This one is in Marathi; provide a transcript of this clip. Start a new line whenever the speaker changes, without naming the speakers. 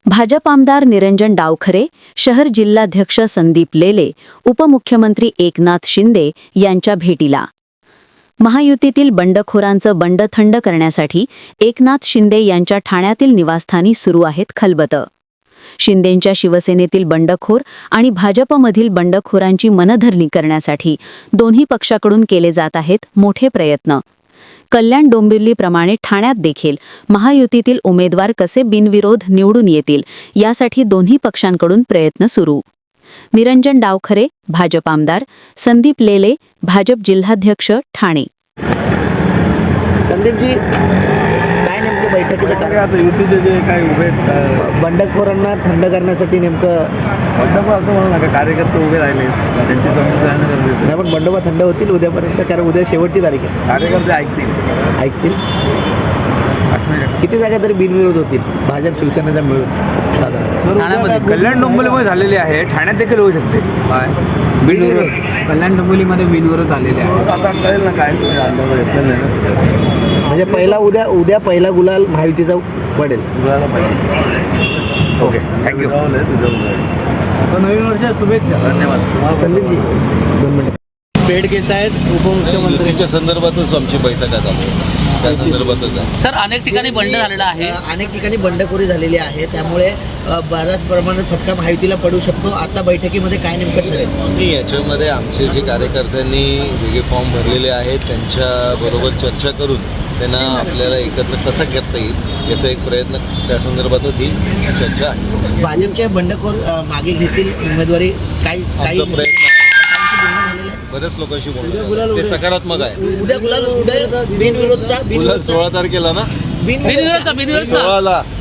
भाजप आमदार निरंजन डावखरे, शहर जिल्हाध्यक्ष संदीप लेले, उपमुख्यमंत्री एकनाथ शिंदे यांच्या भेटीला. महायुतीतील बंडखोरांचं बंड थंड करण्यासाठी एकनाथ शिंदे यांच्या ठाण्यातील निवासस्थानी सुरू आहेत खलबतं. शिंदेंच्या शिवसेनेतील बंडखोर आणि भाजपमधील बंडखोरांची मनधरणी करण्यासाठी दोन्ही पक्षाकडून केले जात आहेत मोठे प्रयत्न. कल्याण डोंबिवलीप्रमाणे ठाण्यात देखील महायुतीतील उमेदवार कसे बिनविरोध निवडून येतील यासाठी दोन्ही पक्षांकडून प्रयत्न सुरू. निरंजन डावखरे, भाजप आमदार, संदीप लेले, भाजप जिल्हाध्यक्ष, ठाणे.
संदीपजी, काय नेमकं बैठकीचं
आता युतीचे जे काही उभे
बंडखोरांना थंड करण्यासाठी नेमकं
बंडोबा असं म्हणू नका, कार्यकर्ते उभे राहिले त्यांची समजूत राहणं गरजेचं आहे.
नाही, पण बंडोबा थंड होतील उद्यापर्यंत, कारण उद्या शेवटची तारीख आहे.
कार्यकर्ते ऐकतील.
किती जागा तरी बिनविरोध होतील भाजप शिवसेनेचा मिळून साधारण?
कल्याण डोंबिवलीमध्ये झालेली आहे, ठाण्यात देखील होऊ शकते. बिनविरोध
कल्याण डोंबिवलीमध्ये बिनविरोध आलेले आहे.
आता कळेल ना काय अंदाज घेतलेलं नाही ना.
म्हणजे उद्या पहिला गुलाल महायुतीचा पडेल.
तुझ्याला पाहिजे. Okay, thank you.
नवीन वर्ष शुभेच्छा.
धन्यवाद.
संदीपजी, 2 मिनिट.
भेट घेत आहेत उपमुख्यमंत्र्यांच्या संदर्भातच आमची बैठक आहे, त्या संदर्भातच आहे.
सर, अनेक ठिकाणी बंड झालेला आहे.
अनेक ठिकाणी बंडखोरी झालेली आहे, त्यामुळे बऱ्याच प्रमाणात फटका महायुतीला पडू शकतो. आता बैठकीमध्ये काय नेमकं ठरेल?
मी याच्यामध्ये आमचे जे कार्यकर्त्यांनी जे फॉर्म भरलेले आहेत त्यांच्याबरोबर चर्चा करून त्यांना आपल्याला एकत्र कसा करता येईल याचा एक प्रयत्न, त्या संदर्भातच ही चर्चा आहे.
भाजपचे बंडखोर मागे घेतील उमेदवारी, काही
प्रयत्न आहे. बऱ्याच लोकांशी बोलणं ते सकारात्मक आहे.
उद्या गुलाल, उद्या बिनविरोधचा
गुलाल 16 तारखेला ना,
बिनविरोधचा
16ला